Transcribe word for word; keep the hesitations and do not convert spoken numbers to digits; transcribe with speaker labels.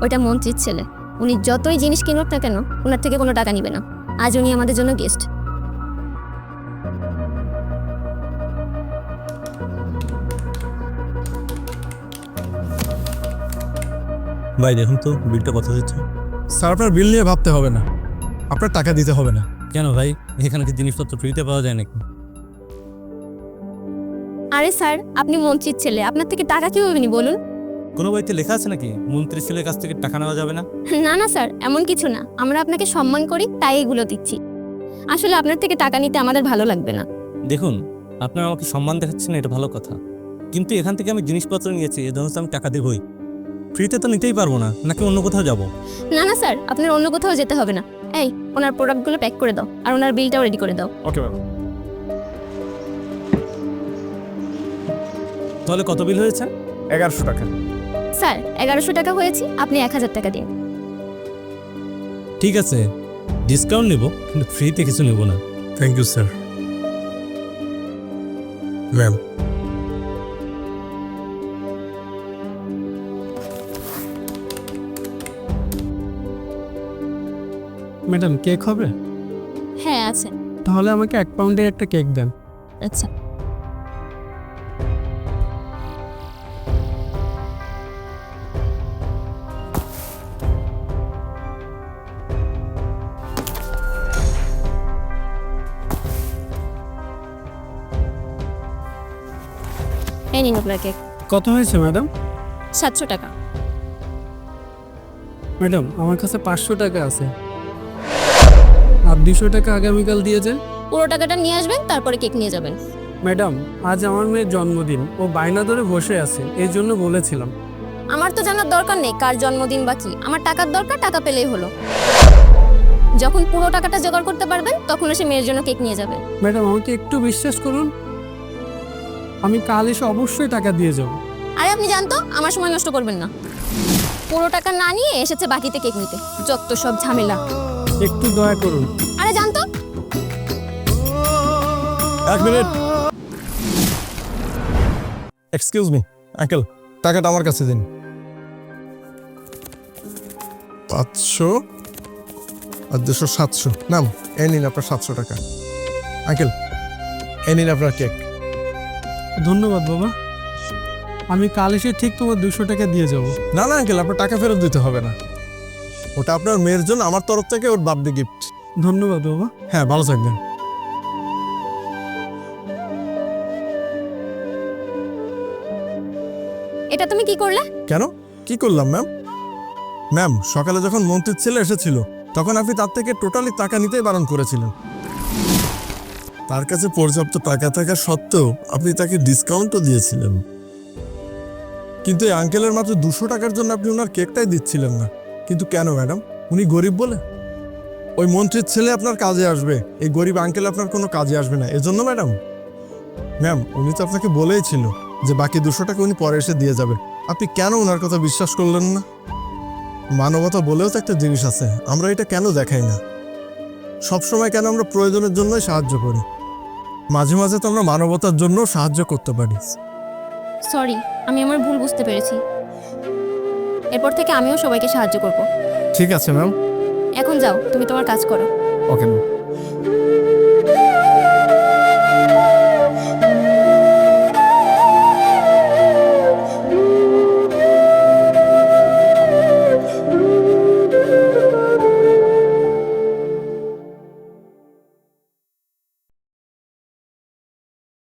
Speaker 1: ওইটা মন্ত্রীর ছেলে। উনি যতই জিনিস কিনুক না কেন ওনার থেকে কোনো টাকা নিবে না। আজ উনি আমাদের জন্য গেস্ট।
Speaker 2: ভাই দেখুন তো বিলটা কত হচ্ছে।
Speaker 3: স্যার আপনার বিল নিয়ে ভাবতে হবে না, আপনার টাকা দিতে হবে না।
Speaker 2: কেন ভাই, এখানে কি জিনিসপত্র ফ্রিতে পাওয়া যায় নাকি?
Speaker 1: আরে স্যার, আপনি মন্ত্রীর ছেলে, আপনার থেকে টাকা কীভাবে নি বলুন?
Speaker 2: কোনো বইতে লেখা আছে নাকি মন্ত্রীর ছেলের কাছ থেকে টাকা নেওয়া যাবে না?
Speaker 1: না না স্যার, এমন কিছু না। আমরা আপনাকে সম্মান করি তাই এগুলো দিচ্ছি। আসলে আপনার থেকে টাকা নিতে আমাদের ভালো লাগবে না।
Speaker 2: দেখুন, আপনারা আমাকে সম্মান দেখাচ্ছেন, এটা ভালো কথা, কিন্তু এখান থেকে আমি জিনিসপত্র নিয়েছি, এ ধরনের আমি টাকা দেবই। ফ্রিতে তো নিতেই পারবো না, নাকি অন্য কোথাও যাব?
Speaker 1: না না স্যার, আপনার অন্য কোথাও যেতে হবে না। এই, ওনার প্রোডাক্টগুলো প্যাক করে দাও আর ওনার বিলটাও রেডি করে দাও।
Speaker 3: Okay ma'am.
Speaker 2: তাহলে কত বিল হয়েছে?
Speaker 3: এগারোশো টাকা।
Speaker 1: স্যার, এগারোশো টাকা হয়েছে, আপনি এক হাজার টাকা দিন।
Speaker 2: ঠিক আছে, ডিসকাউন্ট নেব, কিন্তু ফ্রিতে কিছু নেব না।
Speaker 3: Thank you sir. Ma'am,
Speaker 4: madam cake হবে?
Speaker 1: হ্যাঁ আছে।
Speaker 4: তাহলে আমাকে এক পাউন্ডের একটা কেক দেন।
Speaker 1: আচ্ছা, এই নিন আপনার কেক।
Speaker 4: কত হয়েছে ম্যাডাম?
Speaker 1: সাতশো টাকা।
Speaker 4: ম্যাডাম আমার কাছে পাঁচশো টাকা আছে, আর দুশো টাকা আগামীকাল দিয়ে যান।
Speaker 1: পুরো টাকাটা নিয়ে আসবেন, তারপরে কেক নিয়ে যাবেন।
Speaker 4: ম্যাডাম আজ আমার মেয়ের জন্মদিন, ও বায়না ধরে বসে আছে, এই জন্য বলেছিলাম।
Speaker 1: আমার তো জানার দরকার নেই কার জন্মদিন বা কি। আমার টাকার দরকার, টাকা পেলেই হলো। যখন পুরো টাকাটা জোগাড় করতে পারবেন তখন এসে মেয়ের জন্য কেক নিয়ে যাবেন।
Speaker 4: ম্যাডাম আমাকে একটু বিশ্বাস করুন, আমি কাল এসে অবশ্যই টাকা দিয়ে যাব।
Speaker 1: আরে আপনি জানতো, আমার সময় নষ্ট করবেন না। পুরো টাকা না নিয়ে এসেছে বাকিতে কেক নিতে, যত সব ঝামেলা।
Speaker 4: একটু দয়া করুন।
Speaker 1: আরে জানতো।
Speaker 3: এক মিনিট। এক্সকিউজ মি আঙ্কেল, টাকাটা আমার কাছে দিন। পাঁচশো আর দুশো সাতশো। নাম, এ নিন আপনার সাতশো টাকা। আঙ্কেল, এ নিন আপনার কেক।
Speaker 4: ধন্যবাদ বাবা, আমি কাল এসে ঠিক তোমার দুশো টাকা দিয়ে যাব।
Speaker 3: না না আঙ্কেল, আপনার টাকা ফেরত দিতে হবে না, ওটা আপনার মেয়ের জন্য আমার তরফ থেকে ওর বার্থডে গিফট।
Speaker 4: ধন্যবাদ বাবা।
Speaker 3: হ্যাঁ, ভালো থাকবেন।
Speaker 1: এটা তুমি কি করলে?
Speaker 3: কেন, কি করলাম ম্যাম? ম্যাম, সকালে যখন মন্ত্রীর ছেলে এসেছিল তখন আপনি তার থেকে টোটালি টাকা নিতেই বারণ করেছিলেন। তার কাছে পর্যাপ্ত টাকা থাকা সত্ত্বেও আপনি তাকে ডিসকাউন্টও দিয়েছিলেন, কিন্তু এই আঙ্কেলের মাত্র দুশো টাকার জন্য আপনি ওনার কেকটাই দিচ্ছিলেন না। কিন্তু কেন ম্যাডাম? উনি গরিব বলে? ওই মন্ত্রীর ছেলে আপনার কাজে আসবে, এই গরিব আঙ্কেল আপনার কোনো কাজে আসবে না, এজন্য ম্যাডাম? ম্যাম, উনি তো আপনাকে বলেই ছিল যে বাকি দুশো টাকা উনি পরে এসে দিয়ে যাবে। আপনি কেন ওনার কথা বিশ্বাস করলেন না? মানবতা বলেও তো একটা জিনিস আছে, আমরা এটা কেন দেখাই না? সবসময় কেন আমরা প্রয়োজনের জন্যই সাহায্য করি? মাঝে মাঝে তো আমরা মানবতার জন্য সাহায্য করতে পারি।
Speaker 1: সরি, আমি আমার ভুল বুঝতে পেরেছি। এরপর থেকে আমিও সবাইকে সাহায্য করব।
Speaker 3: ঠিক আছে ম্যাম।
Speaker 1: এখন যাও, তুমি তোমার কাজ করো।
Speaker 3: Okay ma'am.